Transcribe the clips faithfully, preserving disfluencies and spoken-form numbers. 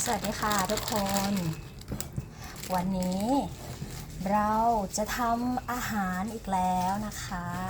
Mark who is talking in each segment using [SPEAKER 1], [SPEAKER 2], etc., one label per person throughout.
[SPEAKER 1] สวัสดีค่ะทุกคน วันนี้เราจะทำอาหารอีกแล้วนะคะ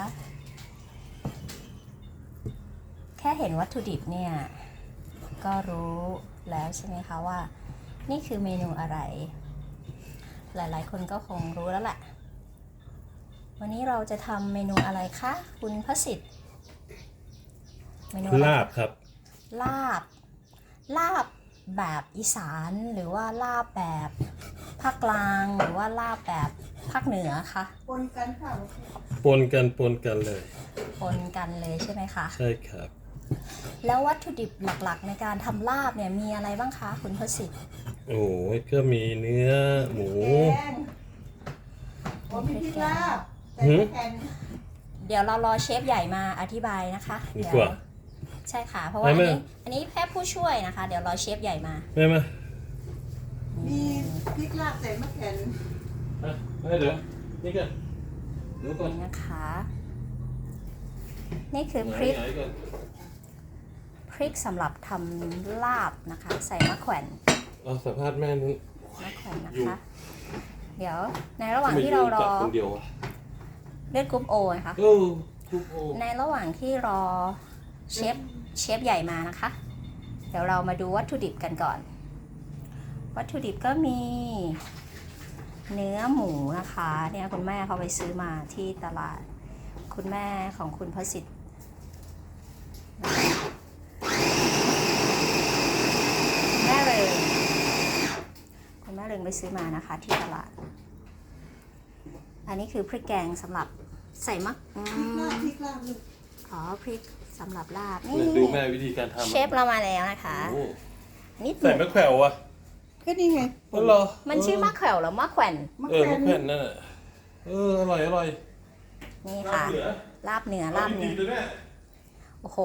[SPEAKER 1] แค่เห็นวัตถุดิบเนี่ยก็รู้แล้วใช่ไหมคะว่านี่คือเมนูอะไร หลายๆคนก็คงรู้แล้วแหละวันนี้เราจะทำเมนูอะไรคะคุณพสิทธิ์เมนูอะไร
[SPEAKER 2] ลาบครับ
[SPEAKER 1] ลาบลาบแบบอีสานหรือว่าลาบแบบภาคกลางหรือว่าลาบแบบภาคเหนือคะ
[SPEAKER 3] ปนกันค่ะ
[SPEAKER 2] ปนกันปนกันเลย
[SPEAKER 1] ปนกันเลยใช่ไหมคะ
[SPEAKER 2] ใช่ครับ
[SPEAKER 1] แล้ววัตถุดิบหลักๆในการทำลาบเนี่ยมีอะไรบ้างคะคุณพสิทธิ์
[SPEAKER 2] โอ้ยก็มีเนื้อหมู
[SPEAKER 3] แกงผมมีพริกลาบแต่ไม่แข็ง
[SPEAKER 1] เดี๋ยวเรารอเชฟใหญ่มาอธิบายนะคะ
[SPEAKER 2] ดี
[SPEAKER 1] เดี๋ย
[SPEAKER 2] กว่า
[SPEAKER 1] ใช่ค่ะเพราะว่าอัน
[SPEAKER 2] ไม่
[SPEAKER 1] นี้
[SPEAKER 2] ไม่
[SPEAKER 1] อันนี้แค่ผู้ช่วยนะคะ เดี๋ยวรอเชฟใหญ่มา
[SPEAKER 2] แม่มา
[SPEAKER 3] มีพริกลาบแต่ไม่แข็ง
[SPEAKER 2] อ่ะเดี๋ยวนี่กันเดี๋ยวก่อน
[SPEAKER 1] นี่นะคะ นี่คือพริก
[SPEAKER 2] ไหนๆก่อน
[SPEAKER 1] พริกสำหรับทำลาบนะคะ ใส่มะแขวน
[SPEAKER 2] เอาสัมภาษณ์แม่นึง
[SPEAKER 1] มะแขวนนะ
[SPEAKER 2] อยู่
[SPEAKER 1] คะ เดี๋ยวในระหว่างที่เรารอ
[SPEAKER 2] คนเดียวอะ
[SPEAKER 1] เลือดกรุ๊ปโอนะคะ
[SPEAKER 2] เออทุกโอ
[SPEAKER 1] ในระหว่างที่รอเชฟเชฟใหญ่มานะคะ เดี๋ยวเรามาดูวัตถุดิบกันก่อน วัตถุดิบก็มีเนื้อหมูนะคะเนี่ยคุณแม่เขาไปซื้อมาที่ตลาดคุณแม่ของคุณพสิทธิ์แม่เริงคุณแม่เริงไปซื้อมานะคะที่ตลาด อันนี้คือพริกแกงสำหรับใส่มักอื
[SPEAKER 3] พริกลาบ
[SPEAKER 1] ม
[SPEAKER 3] พริกลาบลูก
[SPEAKER 1] อ๋อพริกสำหรับลาบ
[SPEAKER 2] เนี่ย
[SPEAKER 1] นี่
[SPEAKER 2] ดูแม่วิธีการทำ
[SPEAKER 1] เชฟเรามาแล้วนะคะ
[SPEAKER 2] โอ้
[SPEAKER 1] นิดห
[SPEAKER 2] ใส่
[SPEAKER 1] นึ่ง
[SPEAKER 2] มะแขวอ่ะ
[SPEAKER 3] ก็นี่ไง
[SPEAKER 2] เออเหรอ
[SPEAKER 1] มันชื่อมะแขวหรือมะแขวน
[SPEAKER 3] มะ
[SPEAKER 2] เออ
[SPEAKER 3] แขว
[SPEAKER 2] มะ
[SPEAKER 3] น
[SPEAKER 2] แขวนนั่นน่ะเอออร่อยอร่อย
[SPEAKER 1] นี่ค่ะ
[SPEAKER 2] เหลือ
[SPEAKER 1] ลาบเนื้อลาบเนื้อ
[SPEAKER 2] เลยแม่
[SPEAKER 1] โอ้โห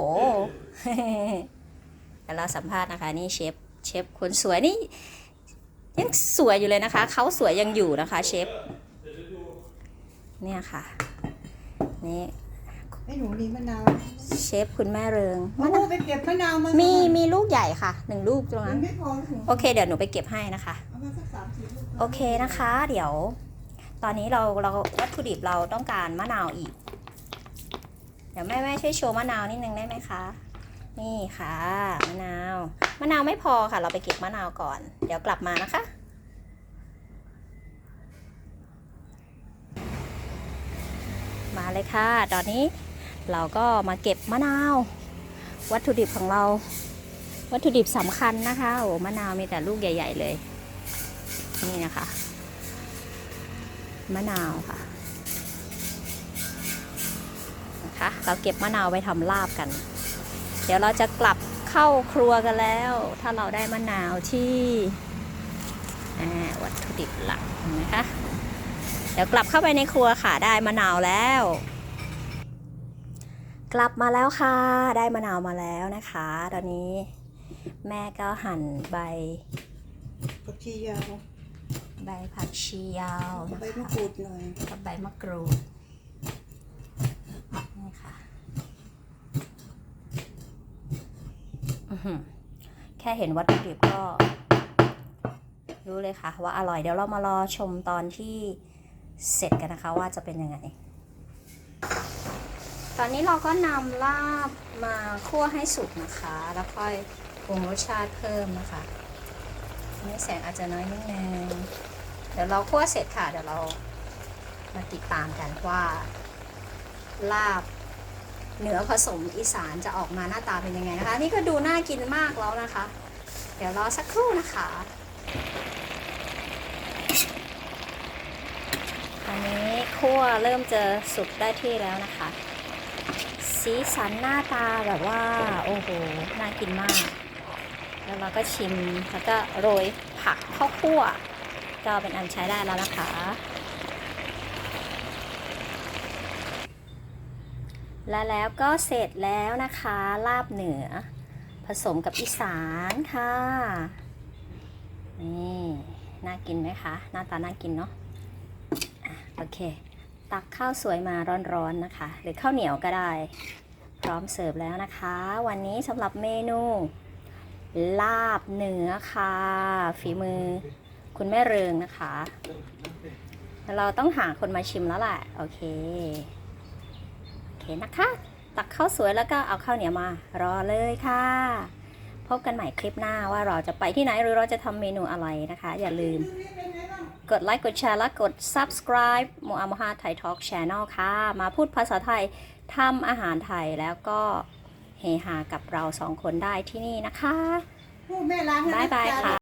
[SPEAKER 1] เดี๋ยวเราสัมภาษณ์นะคะ นี่เชฟเชฟคนสวยนี่ยังสวยอยู่เลยนะคะเขาสวยยังอยู่นะคะเชฟเนี่ยค่ะนี่
[SPEAKER 3] ไอ้หนูนี่มะนาว
[SPEAKER 1] เชฟคุณแม่เริง
[SPEAKER 3] โอ้โหไปเก็บมะนาวมา
[SPEAKER 1] มี
[SPEAKER 3] มี
[SPEAKER 1] มีลูกใหญ่ค่ะหนึ่งลูกตรง
[SPEAKER 3] มั
[SPEAKER 1] นั้น น
[SPEAKER 3] ไม่พอถึง
[SPEAKER 1] โอเคเดี๋ยวหนูไปเก็บให้นะคะ
[SPEAKER 3] เอามาสักสามสี่ลูก
[SPEAKER 1] โอเคนะคะ เดี๋ยว ตอนนี้เราเราวัตถุดิบเราต้องการมะนาวอีก เดี๋ยวแม่แม่ช่วยโชว์มะนาวนิดนึงได้ไหมคะ นี่ค่ะมะนาวมะนาวไม่พอค่ะ เราไปเก็บมะนาวก่อน เดี๋ยวกลับมานะคะ มาเลยค่ะ ตอนนี้เราก็มาเก็บมะนาว วัตถุดิบของเรา วัตถุดิบสำคัญนะคะโอ้มะนาวมีแต่ลูกใหญ่ ๆ เลย นี่นะคะมะนาวค่ะนะคะเราเก็บมะนาวไปทำลาบกัน เดี๋ยวเราจะกลับเข้าครัวกันแล้ว ถ้าเราได้มะนาวที่วัตถุดิบหลักนะคะเดี๋ยวกลับเข้าไปในครัวค่ะได้มะนาวแล้ว กลับมาแล้วค่ะได้มะนาวมาแล้วนะคะตอนนี้แม่ก็หั่นใบ
[SPEAKER 3] ผักชียาว
[SPEAKER 1] ใบผักชียาวนะ
[SPEAKER 3] ใบ
[SPEAKER 1] คะ
[SPEAKER 3] มะกรูดหน่อย
[SPEAKER 1] กับใบมะกรูดนี่ค่ะอื้อหือแค่เห็นวัตถุดิบก็รู้เลยค่ะว่าอร่อยเดี๋ยวเรามารอชมตอนที่เสร็จกันนะคะว่าจะเป็นยังไง ตอนนี้เราก็นำลาบมาคั่วให้สุกนะคะแล้วค่อยปรุงรสชาติเพิ่มนะคะนี่แสงอาจจะน้อยนิดนึงเดี๋ยวเราคั่วเสร็จค่ะเดี๋ยวเรามาติดตามกันว่าลาบเหนือผสมอีสานจะออกมาหน้าตาเป็นยังไงนะคะนี่ก็ดูน่ากินมากแล้วนะคะเดี๋ยวรอสักครู่นะคะตอนนี้คั่วเริ่มจะสุกได้ที่แล้วนะคะสีสันหน้าตาแบบว่าโอ้โหน่ากินมากแล้วเราก็ชิมแล้วก็โรยผักข้าวคั่วก็เป็นอันใช้ได้แล้วนะคะและแล้วก็เสร็จแล้วนะคะลาบเหนือผสมกับอีสานค่ะนี่น่ากินไหมคะหน้าตาน่ากินเนาะอ่ะโอเคตักข้าวสวยมาร้อนๆนะคะหรือข้าวเหนียวก็ได้พร้อมเสิร์ฟแล้วนะคะวันนี้สำหรับเมนูลาบเนื้อค่ะ ฝีมือคุณแม่เริงนะคะเราต้องหาคนมาชิมแล้วแหละโอเคโอเคนะคะ ตักข้าวสวยแล้วก็เอาข้าวเหนียวมารอเลยค่ะ พบกันใหม่คลิปหน้าว่าเราจะไปที่ไหนหรือเราจะทำเมนูอะไรนะคะ อย่าลืมกดไลค์กดแชร์และกด subscribe โมอาโมฮาไทยทอล์ก Channel ค่ะ มาพูดภาษาไทยทำอาหารไทยแล้วก็เฮฮากับเราสองคนได้ที่นี่นะคะ
[SPEAKER 3] พูดแม่ล้างให้
[SPEAKER 1] บ๊ายบาย
[SPEAKER 3] นะจ๊ะ
[SPEAKER 1] ค่ะ